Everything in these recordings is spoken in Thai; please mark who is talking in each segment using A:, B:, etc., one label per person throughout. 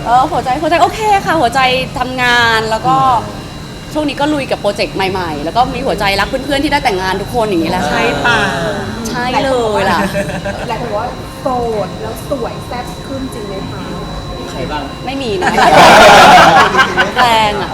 A: หัวใจโอเคค่ะหัวใจทำงานแล้วก็ช่วงนี้ก็ลุยกับโปรเจกต์ใหม่ๆแล้วก็มีหัวใจรักเพื่อนๆที่ได้แต่งงานทุกคนอย่างนี้แหละใช่
B: ป่ะ
A: ใช่เลยล่ะ
C: หลายคนบอกว่าโสดแล้วสวยแซ่บขึ้นจริงไหมคะ
B: ใครบ้าง
A: ไม่มีนะแรงอ่ะ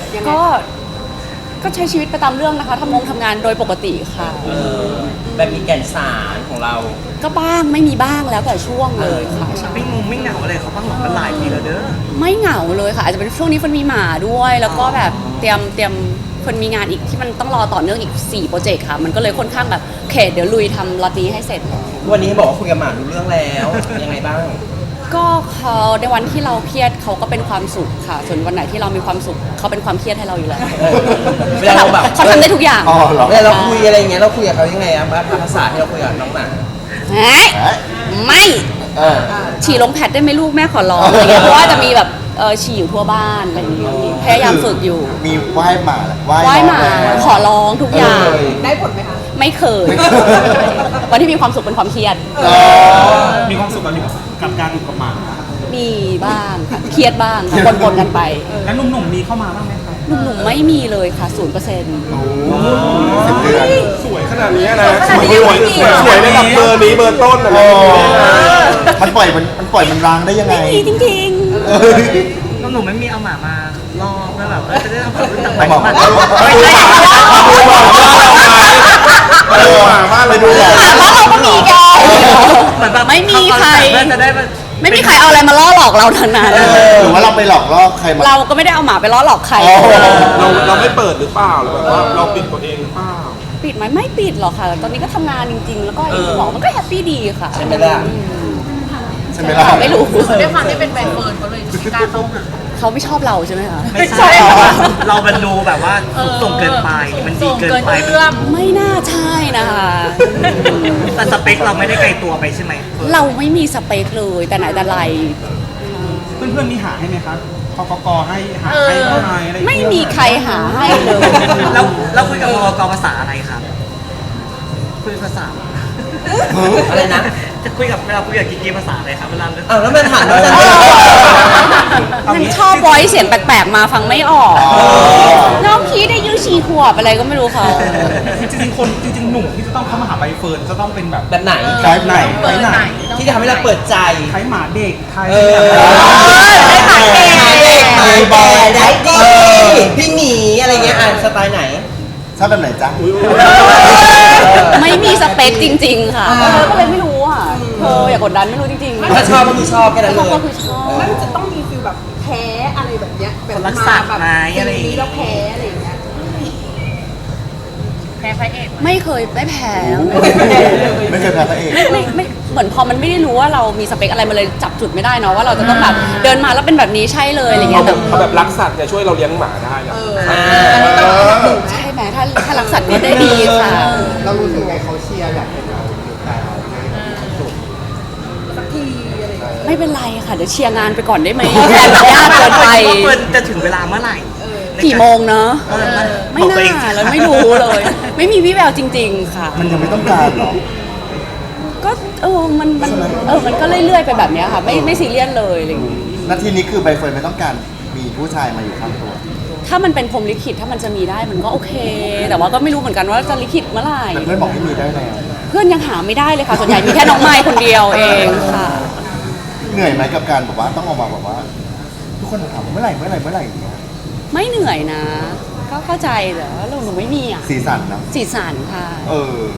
A: ก็ใช้ชีวิตไปตามเรื่องนะคะทำงานโดยปกติค่ะ
B: แบบมีแก่นสารของเรา
A: ก็บ้างไม่มีบ้างแล้วแต่ช่วงเลยค่ะ
B: ไม่เหงาอะไรเขาบ้างหรอกมันหลายปีแล้วเด้อ
A: ไม่เหงาเลยค่ะอาจจะเป็นช่วงนี้คนมีหมาด้วยแล้วก็แบบเตรียมคนมีงานอีกที่มันต้องรอต่อเนื่องอีก4โปรเจกต์ค่ะมันก็เลยค่อนข้างแบบเดี๋ยวลุยทำล็อตนี้ให้เสร็จ
B: วันนี้บอกว่าคุยกับหมารู้เรื่องแล้วยังไงบ้าง
A: ก็เขาในวันที่เราเครียดเขาก็เป็นความสุขค่ะส่วนวันไหนที่เรามีความสุขเขาเป็นความเครียดให้เราอยู่แล้ว
B: เวลาเราแบบ
A: เขาทำได้ทุกอย่าง
B: เวลาเราคุยอะไรอย่างเงี้ยเราคุยกับเขายังไงอะภาษาที่เราคุยกับน้องหมา
A: ไม่ฉี่ลงแพดได้ไหมลูกแม่ขอร้องอะไรเงี้ยเพราะว่าจะมีแบบฉี่อยู่ทั่วบ้านอะไรอย่างเงี้ยพยายามฝึกอยู่
D: มีไหว้หมา
A: ขอร้องทุกอย่าง
C: ได้ผลไหมคะ
A: ไม่เคยวันที่มีความสุขเป็นความเครียด
E: มีความสุขกับการอยู่กับหมา
A: มีบ้างค่ะเครียดบ้างปนกันไป
E: แล้วหนุ่มๆมีเข้ามาบ้างไหมคะ
A: หนุ่มๆไม่มีเลยค่ะ0%
D: สวยขนาดนี้นะ
E: สวยในแบบเบอร์นี้เบอร์ต้นอะไร
D: มันปล่อยมันร้างได้ยังไง
A: ไม่มีจริง
B: ๆหนุ่มไม่มีเอาหมามาล่อเพื่อแบบจะได้ทำความรู้จักใหม่
D: มาไปดูหมา
A: บ้านเราก็มีแกไม่มีใครไม่มีใครเอาอะไรมาล่อหลอกเราทั้งนั้น
D: หรือว่าเราไปหลอกล่อใครมา
A: เราก็ไม่ได้เอาหมาไปล่อหลอกใคร
E: เราไม่เปิดหรือเปล่าหรือแบบว่าเราปิดตัวเองหรือเปล่า
A: ปิดไหมไม่ปิดหรอกค่ะตอนนี้ก็ทำงานจริงๆแล้วก็อย่างที่บอกมันก็แฮปปี้ดีค่ะ
B: ใช่ไหมล่ะ
A: ไม่รู้
C: ด้วยความที่เป็นแฟนเฟิร์นเขาเลยไม่กล้าเข้าหา
A: เขาไม่ชอบเราใช่ไหมคะ
B: ไม่ใช่เราเป็นดูแบบว่าส่งเกินไปมันดีเกินไป
A: ไม่น่าใช่นะคะ
B: แต่สเปคเราไม่ได้ไกลตัวไปใช่ไหม
A: เราไม่มีสเปคเลยแต่ไหนแต่ไร
E: เพื่อนๆมีหาให้ไหมครับพกให้หาให้เท่าไหร่อะไร
A: ไม่มีใครหาให้เลย
B: เราคุยกับพกภาษาอะไรครับคุยภาษาอะไรนะจะคุยกับกิ๊กภาษาอะไรครับเวลาแล้วมันถามว่า
A: มันชอบไว้เสียงแปลกๆมาฟังไม่ออกน้องพีได้ยู4 ขวบอะไรก็ไม่รู้เขา
E: จริงหนุ่มที่จะต้องเข้ามาหาใบเฟิร์นจะต้องเป็นแบบ
B: ไหนที่จะทำให้เราเปิดใจ
E: ใช้หมาเด็กไทย
B: ได้บอยได้ดีพี่หมีอะไรเงี้ยสไตล์ไหน
D: ชอบแบบไหนจ๊ะ
A: ไม่มีสเปคจริงๆค่ะก็เลยไม่รู้อ่ะอย่ากดดันไม่รู้จริง
B: ๆถ้าชอบก็คือชอบแค่นั้นเลย
A: ก็คือชอบ
C: มันจะต้องมีฟิลแบบแพ้อะไรแบบเนี้ยแบบ
B: รักษาแบบ
C: อะไรแล้วแพ้อะไรอย่างเงี้ยแพ้พระเอก
A: ไม่เคยไม่แพ้
D: ไม่เคยแพ้พระเอก
A: ไม่เหมือนพอมันไม่ได้รู้ว่าเรามีสเปคอะไรมาเลยจับจุดไม่ได้เนาะว่าเราจะต้องแบบเดินมาแล้วเป็นแบบนี้ใช่เลยอะไรเงี้ย
E: เขาแบบรักสัตว์จะช่วยเราเลี้ยงหมาได้
A: ใช่ไหมถ้ารักสัตว์ก็ได้ดีค่ะ
D: เรารู้สึกไงเขาเชียร์อยากเห็นเราอยู่แต่
C: สักทีอะไร
A: ไม่เป็นไรค่ะเดี๋ยวเชียร์งานไปก่อนได้ไหมแอบยากเกินไป
B: จะถึงเวลาเมื่อไหร่
A: กี่โมงเนอะไม่น่าแล้วไม่รู้เลยไม่มีวี่แววจริงๆค่ะ
D: มันยังไม่ต้องการหรอ
A: ก็มันก็เรื่อยๆไปแบบนี้ค่ะไม่ซีเรียสเลยอะไรอย่างงี้
D: นาทีนี้คือใบเฟิร์นไม่ต้องการมีผู้ชายมาอยู่ข้างตัว
A: ถ้ามันเป็นพรหมลิขิตถ้ามันจะมีได้มันก็โอเคแต่ว่าก็ไม่รู้เหมือนกันว่าจะลิขิตเมื่อไหร่
D: แต่เพื่อนบอกให้มีได้แล้ว
A: เพื่อนยังหาไม่ได้เลยค่ะส่วนใหญ่มีแค่น้องไม้คนเดียวเองค่ะ
D: เหนื่อยไหมกับการบอกว่าต้องออกมาบอกว่าทุกคนถามเมื่อไหร่อย่างเงี้ย
A: ไม่เหนื่อยนะก็เข้าใจแต่ว่าหนูไม่มีอ่ะ
D: สีสันนะ
A: สีสันค่ะ